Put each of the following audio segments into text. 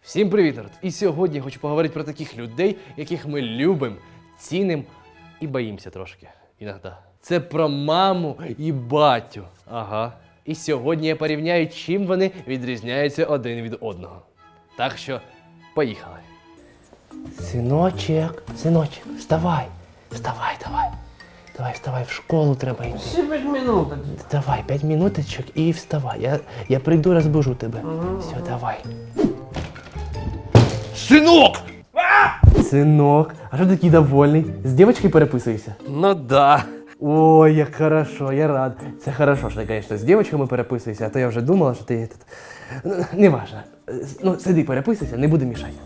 Всім привіт, народ! І сьогодні я хочу поговорити про таких людей, яких ми любимо, цінимо і боїмося трошки. Іноді. Це про маму і батю. Ага. І сьогодні я порівняю, чим вони відрізняються один від одного. Так що, поїхали. Синочек, вставай. Давай, вставай, в школу треба йти. Ще 5 минут. Давай, 5 минуточок і вставай. Я прийду, розбужу тебе. Все, давай. Сынок! Сынок, а что такий довольний? З дівчинкою переписуєшся? Ну да. Ой, як хорошо, я рад. Це хорошо, що ти, конечно, з дівчинками переписуєшся, а то я вже думала, що ти тут... Неважно. Ну, сиди, переписуйся, не буду мішати.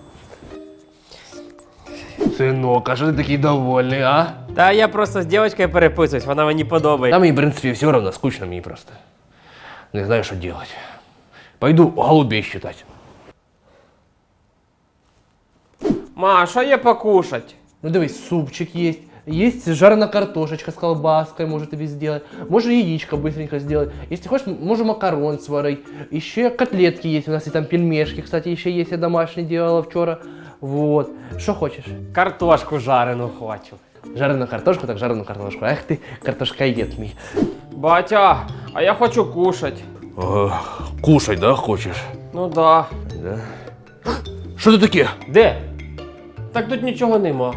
Синок, а що ти такий довольний, а? Та я просто з дівчинкою переписуюсь, вона мені подобається. Та мені, в принципі, все равно, скучно мені просто. Не знаю, що делать. Пойду голубей считать. Ма, що є покушать? Ну дивись, супчик есть. Есть жареная картошечка с колбаской, может тебе сделать. Можно яичко быстренько сделать. Если хочешь, можем макарон сварить. Еще котлетки есть. У нас и там пельмешки, кстати, еще есть. Я домашние делала вчера. Вот. Что хочешь? Картошку жарену хочу. Жареную картошку, так жареную картошку. Эх ты, картошкоед мій. Батя, а я хочу кушать. Кушать, да, хочешь? Ну да. Да. Что это таке? Де? Так тут нічого нема.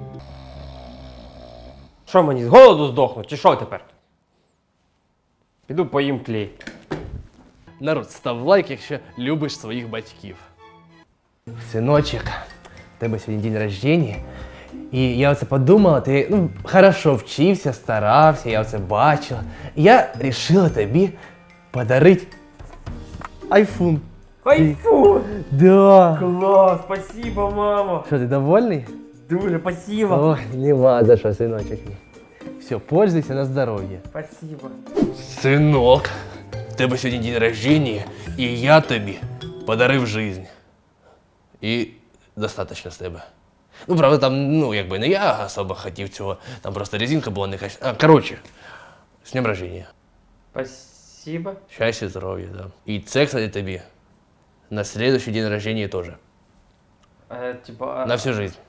Що мені, з голоду здохнуть, чи що тепер? Піду поїм клей. Народ, став лайк, якщо любиш своїх батьків. Синочек, у тебе сьогодні день рождения. І я оце подумала, ти хорошо вчився, старався, я оце бачила. І я вирішила тобі подарити айфон. Айфон! Да. Клас, спасибо, мама. Що, ти довольний? Дуже спасибо. Ой, нема за що, синочек. Все, пользуйся на здоров'я. Спасибо. Синок, в тебе сьогодні день рождения, і я тобі подарив жизнь. І достатньо з тебе. Ну, правда, там, якби не я особо хотів цього, там просто резинка була не качественна. Короче, з днем рождения. Спасибо. Щастя, здоров'я, да. І це, кстати, тобі на следующий день рождения тоже. Типа... На всю жизнь.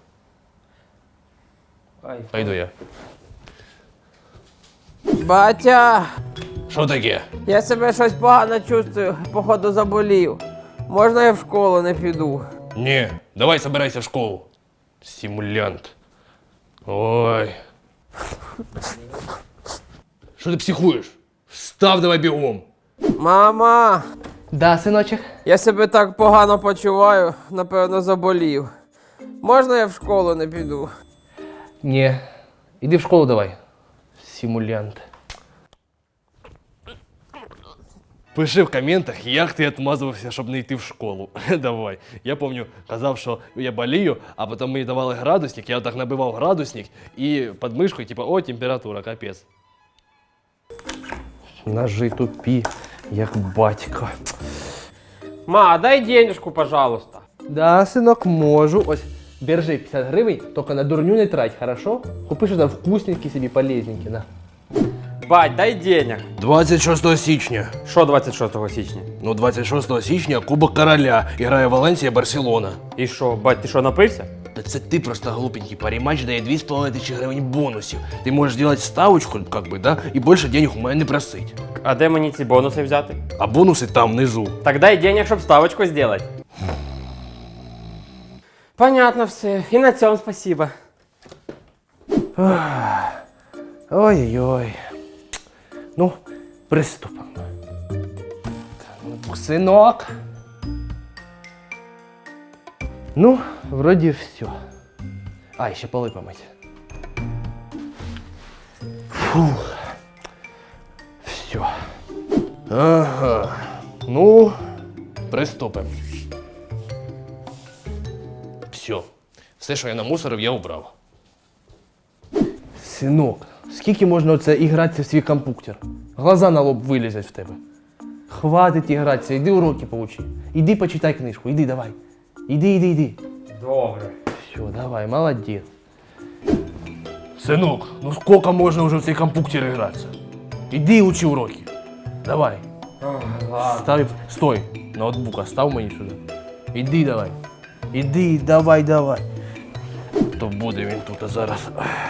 Айфон. Пойду я. Батя, Що таке? я себе щось погано чувствую, походу заболів. Можна я в школу не піду? Не, давай собирайся в школу. Симулянт. Ой. Що ти психуєш? Встав давай бігом. Мама, Да, синочек. я себе так погано почуваю, напевно заболів. Можна я в школу не піду? Не. Іди в школу давай. Симулянт. Пиши в коментах, як ти відмазувався, щоб не йти в школу. Давай. Я пам'ятаю, казав, що я болію, а потім мені давали градусник, я так набивав градусник і під мишкою, типу, о, температура, капець. Ножи тупі, як батько. Ма, дай денежку, пожалуйста. Да, синок, можу. Ось, держи 50 гривень, тільки на дурню не трать, хорошо? Купи що там вкусненькі собі, полезненькі, на. Бать, дай денег. 26 січня. Що 26 січня? Ну, 26 січня Кубок Короля. Грає Валенсія, Барселона. І що, бать, ти що, напився? Та це ти просто глупенький. Паріматч дає 2500 гривень бонусів. Ти можеш зробити ставочку, как бы, да, і більше денег у мене не просить. А де мені ці бонуси взяти? А бонуси там внизу. Так дай денег, щоб ставочку зробити. Понятно все. І на цьому спасибо. Ой-ой-ой. Ну, приступимо. Синок. Ну, вроді все. А, ще поли помить. Фух. Все. Ага. Ну, приступимо. Все. Все, що я намусорив, я убрав. Синок, скільки можна оце ігратися в свій комп'ютер? Глаза на лоб вилізять в тебе. Хватить ігратися, іди уроки поучи. Іди почитай книжку, іди давай. Іди. Добре. Все, давай, молодець. Синок, ну скільки можна вже в цей комп'ютер гратися? Іди учи уроки. Давай. Ладно. Став, стой, ноутбук, став мені сюди. Іди давай. Іди, давай, давай. То буде він тут зараз.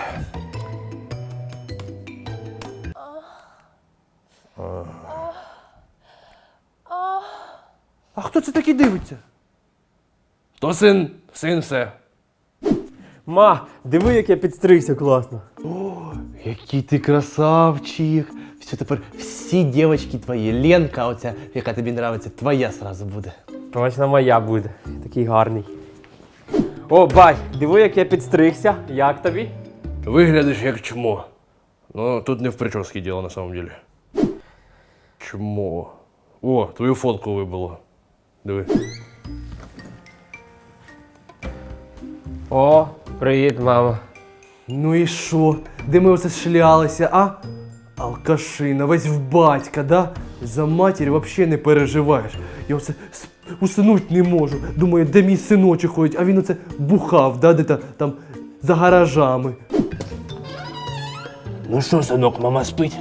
А хто це такий дивиться? То син, син все. Ма, диви, як я підстригся класно. Який ти красавчик. Все, тепер всі дівчатки твої. Ленка оця, яка тобі нравиться, твоя сразу буде. Точно моя буде. Такий гарний. О, бать, диви, як я підстригся. Як тобі? Виглядиш як чмо. Ну, тут не в прическе дело на самом деле. Чмо. О, твою фотку вибило. Диви. О, привіт, мама. Ну і що? Де ми оце шлялися, а? Алкашина, весь в батька, да? За матір взагалі не переживаєш. Я оце уснуть не можу. Думаю, де мій синочок ходить, а він оце бухав, да, де там за гаражами. Ну що, синок, мама спить?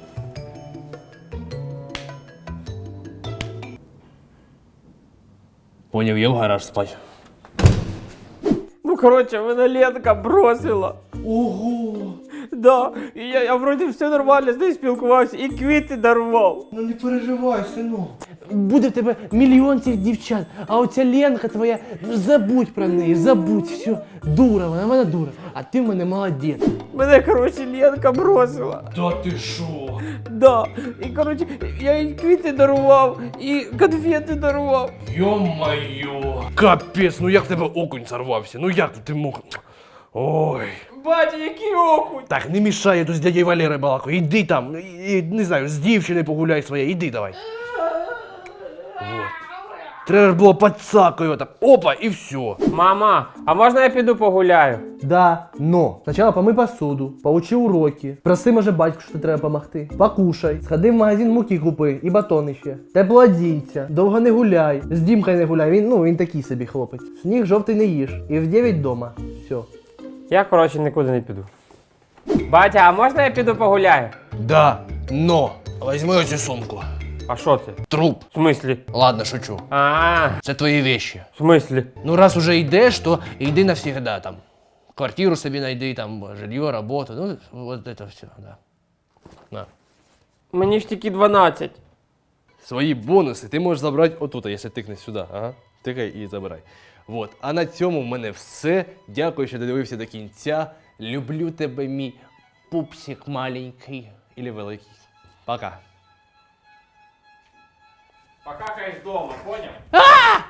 Поняв, я в гараж спать. Ну, коротше, мене Ленка бросила. Ого! Да, і я вроді все нормально з нею спілкувався і квіти дарував. Ну не переживай, синок. Буде в тебе мільйон цих дівчат, а оця Ленка твоя, ну забудь про неї, забудь, все. Дура, вона дура, а ти в мене молодець. Мене, коротше, Ленка бросила. Та ти що? Да. І, коротше, я їй квіти дарував, і конфети дарував. Йо-моє. Капець, ну як в тебе окунь сорвався, ну як ти мог? Ой. Батя, який окунь! Так, не мішай, я тут з дядей Валерою балакаю, іди там, не знаю, з дівчиною погуляй своєю, іди давай. Вот. Треба ж було подсакою, так, опа, і все. Мама, а можна я піду погуляю? Да, но сначала помий посуду, поучи уроки, проси, може, батьку, що треба помогти. Покушай, сходи в магазин муки купи і батони ще. Тепло одінься, довго не гуляй. З Дімкою не гуляй, він такий собі хлопець. Сніг жовтий не їж. І в 9 дома. Все. Я, коротше, нікуди не піду. Батя, а можна я піду погуляю? Да, но возьми оцю сумку. А що це? Труп. В смислі? Ладно, шучу. Це твої вещи. В смислі? Ну, раз уже йдеш, то йди навсегда там. Квартиру собі знайди, там, жилье, роботу, ну, вот это все, да. На. Мені ж тільки 12. Свої бонуси ти можеш забрати отут, якщо тикнеш сюди. Ага. Тикай і забирай. Вот. А на цьому в мене все. Дякую, що додивився до кінця. Люблю тебе, мій пупсик маленький. Или великий. Пока. Покакаєш вдома, поняв?